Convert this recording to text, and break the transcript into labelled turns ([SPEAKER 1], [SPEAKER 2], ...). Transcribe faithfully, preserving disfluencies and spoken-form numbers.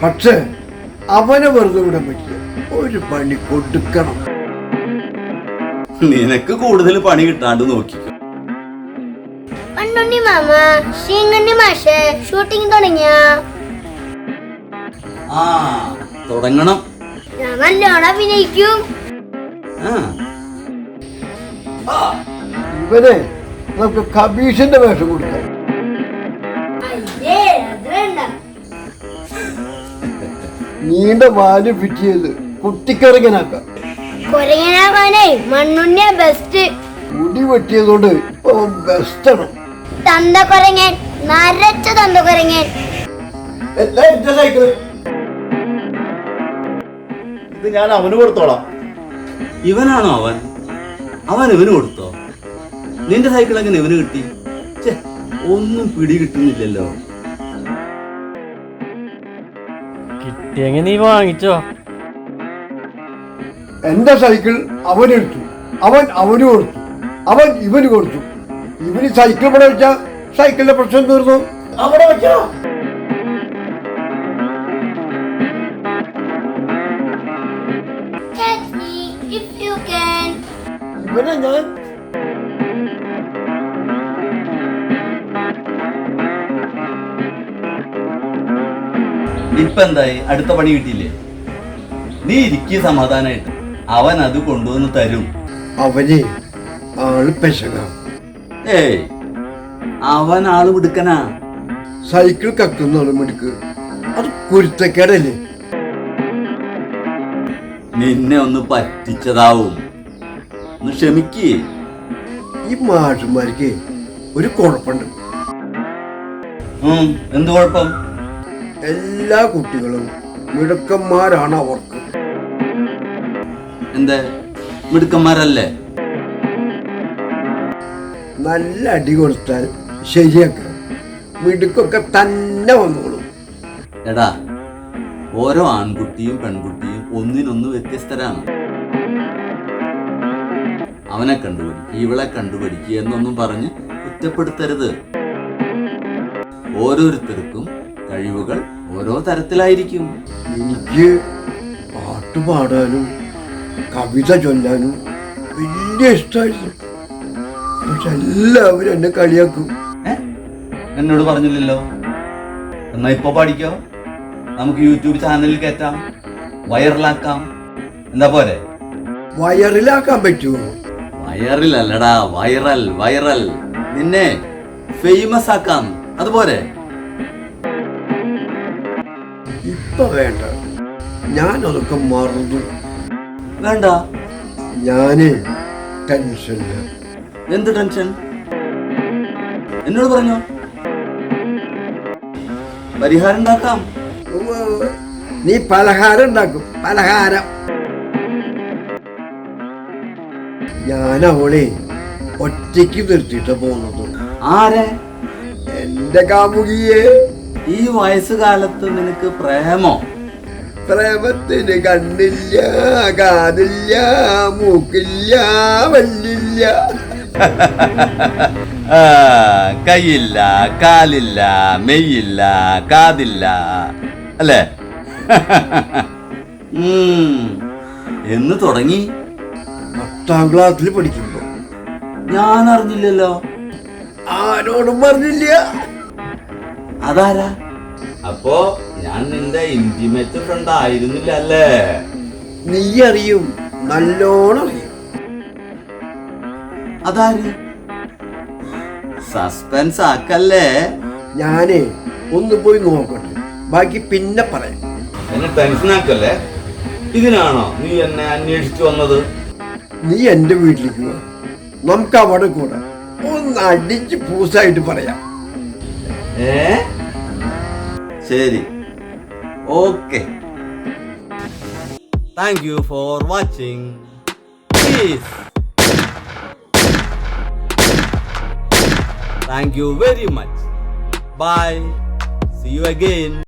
[SPEAKER 1] പക്ഷേ അവനെ വെറുതെ വിടാൻ പറ്റില്ല, ഒരു പണി കൊടുക്കണം.
[SPEAKER 2] നിനക്ക് കൂടുതൽ പണി കിട്ടാണ്ട് നോക്കിക്കോ.
[SPEAKER 3] പണ്ടുണ്ണി മാമ ശ്രീങ്കണ്ണി മാഷ് ഷൂട്ടിംഗ് തുടങ്ങിയ
[SPEAKER 2] ആ തുടങ്ങണം.
[SPEAKER 3] ഞാൻ നല്ലോണം അഭിനയിക്കും.
[SPEAKER 1] ഇവനെ നമുക്ക് കബീഷിന്റെ വേഷം കൊടുക്കാം.
[SPEAKER 3] അയ്യേ, അത് വേണ്ട.
[SPEAKER 1] നീണ്ട വാല് ഫിറ്റ് ചെയ്ത് കുട്ടിക്കിറങ്ങനാക്കാം.
[SPEAKER 3] കൊരങ്ങനാകാനേ മണ്ണുണ്ണിയ ബെസ്റ്റ്.
[SPEAKER 1] മുടി വെട്ടിയതുകൊണ്ട് ഇപ്പൊ ബെസ്റ്റാണ്.
[SPEAKER 3] തന്ത കൊരങ്ങൻ, നരച്ച തന്ത കൊരങ്ങൻ.
[SPEAKER 1] എല്ലാം എന്റെ സൈക്കിള്.
[SPEAKER 4] ഇത് ഞാൻ അവന് കൊടുത്തോളാം.
[SPEAKER 2] ഇവനാണോ അവൻ? അവൻ ഇവന് കൊടുത്തോ? നിന്റെ സൈക്കിൾ എങ്ങനെ ഇവന് കിട്ടി? ഒന്നും പിടി കിട്ടുന്നില്ലല്ലോ.
[SPEAKER 5] കിട്ടിയെങ്കിൽ നീ വാങ്ങിച്ചോ.
[SPEAKER 1] എന്റെ സൈക്കിൾ അവനെടുത്തു, അവൻ അവന് കൊടുത്തു, അവൻ ഇവന് കൊടുത്തു. ഇവന് സൈക്കിൾ ഇവിടെ വെച്ചാ സൈക്കിളിന്റെ പ്രശ്നം തീർന്നു. അവിടെ വെച്ചാ
[SPEAKER 3] Catch me if you can.
[SPEAKER 1] ഇവനെ ഞാൻ
[SPEAKER 2] ഇപ്പൊ എന്തായി? അടുത്ത പണി കിട്ടിയില്ലേ? നീ ഇരിക്കുക സമാധാനായിട്ട്. അവൻ അത് കൊണ്ടുവന്ന് തരും.
[SPEAKER 1] അവന് ആള് പെശക.
[SPEAKER 2] ഏയ്, അവൻ ആള് മിടുക്കനാ.
[SPEAKER 1] സൈക്കിൾ കക്കുന്ന മിടുക്ക്, അത് കുരുത്തക്കേടല്ലേ?
[SPEAKER 2] നിന്നെ ഒന്ന് പറ്റിച്ചതാവും. ഒന്ന് ക്ഷമിക്കേ.
[SPEAKER 1] ഈ മാഷന്മാർക്ക് ഒരു കുഴപ്പമുണ്ട്.
[SPEAKER 2] എന്ത് കുഴപ്പം?
[SPEAKER 1] എല്ലാ കുട്ടികളും മിടുക്കന്മാരാണ് അവർക്ക്.
[SPEAKER 2] എന്താ മിടുക്കന്മാരല്ലേ?
[SPEAKER 1] നല്ല അടി കൊടുത്താൽ ശരിയാക്കാം, മിടുക്കൊക്കെ തന്നെ വന്നോളും.
[SPEAKER 2] എടാ, ഓരോ ആൺകുട്ടിയും പെൺകുട്ടിയും ഒന്നിനൊന്ന് വ്യത്യസ്തരാണ്. അവനെ കണ്ടുപിടിക്കുക, ഇവളെ കണ്ടുപിടിക്കുക എന്നൊന്നും പറഞ്ഞ് കുറ്റപ്പെടുത്തരുത്. ഓരോരുത്തർക്കും കഴിവുകൾ ഓരോ തരത്തിലായിരിക്കും.
[SPEAKER 1] എനിക്ക് പാട്ട് പാടാനും കവിത ചൊല്ലാനും വലിയ ഇഷ്ടമായിരുന്നു. പക്ഷെ എല്ലാവരും എന്നെ കളിയാക്കും.
[SPEAKER 2] എന്നോട് പറഞ്ഞില്ലല്ലോ. എന്നാ ഇപ്പൊ പാടിക്കോ. നമുക്ക് യൂട്യൂബ് ചാനലിൽ കയറ്റാം, വൈറലാക്കാം. എന്താ പോരെ?
[SPEAKER 1] വയറിലാക്കാൻ പറ്റുമോ?
[SPEAKER 2] വയറിലല്ലടാ, വൈറൽ വൈറൽ. നിന്നെ ഫേമസ് ആക്കാം. അതുപോലെ
[SPEAKER 1] ഇപ്പൊ വേണ്ട, ഞാൻ അതൊക്കെ മറന്നു.
[SPEAKER 2] വേണ്ട.
[SPEAKER 1] ഞാന് ടെൻഷനില്ല.
[SPEAKER 2] എന്ത് ടെൻഷൻ? എന്നോട് പറഞ്ഞോ, പരിഹാരം ഉണ്ടാക്കാം.
[SPEAKER 1] നീ പലഹാരം ഉണ്ടാക്കും. പലഹാരം ഞാൻ അവളെ ഒറ്റയ്ക്ക് നിർത്തിയിട്ട് പോകുന്നത്.
[SPEAKER 2] ആരെ?
[SPEAKER 1] എന്റെ കാമുകിയെ.
[SPEAKER 2] ഈ വയസ്സുകാലത്ത് നിനക്ക് പ്രേമോ?
[SPEAKER 1] പ്രേമത്തിന് കണ്ണില്ല, കാതില്ല, മൂക്കില്ല, വല്ലില്ല.
[SPEAKER 2] കൈയില്ല, കാലില്ല, മെയ്യില്ല, കാതില്ല, അല്ലേ? എന്ന് തുടങ്ങി.
[SPEAKER 1] പത്താം ക്ലാസ്സിൽ പഠിക്കുമ്പോ.
[SPEAKER 2] ഞാൻ അറിഞ്ഞില്ലല്ലോ.
[SPEAKER 1] ആരോടും പറഞ്ഞില്ല.
[SPEAKER 2] അതാരാ? അപ്പോ ഞാൻ നിന്റെ ഇന്റിമേറ്റ് ഫ്രണ്ട് ആയിരുന്നില്ല അല്ലേ?
[SPEAKER 1] നീ അറിയും, നല്ലോണം അറിയും.
[SPEAKER 2] അതാര്? സസ്പെൻസ് ആക്കല്ലേ.
[SPEAKER 1] ഞാനേ ഒന്ന് പോയി നോക്കട്ടെ, ബാക്കി പിന്നെ പറയാം.
[SPEAKER 2] എന്നെ ടെൻഷൻ ആക്കല്ലേ. ഇതിനാണോ നീ എന്നെ അന്വേഷിച്ചു വന്നത്?
[SPEAKER 1] നീ എന്റെ വീട്ടിലേക്ക് പോ, നമുക്ക് അവിടെ കൂടെ ഒന്ന് അടിച്ച് പൂസായിട്ട് പറയാം.
[SPEAKER 2] ഏ ശരി, okay. Thank you for watching. Please. Thank you very much. Bye. See you again.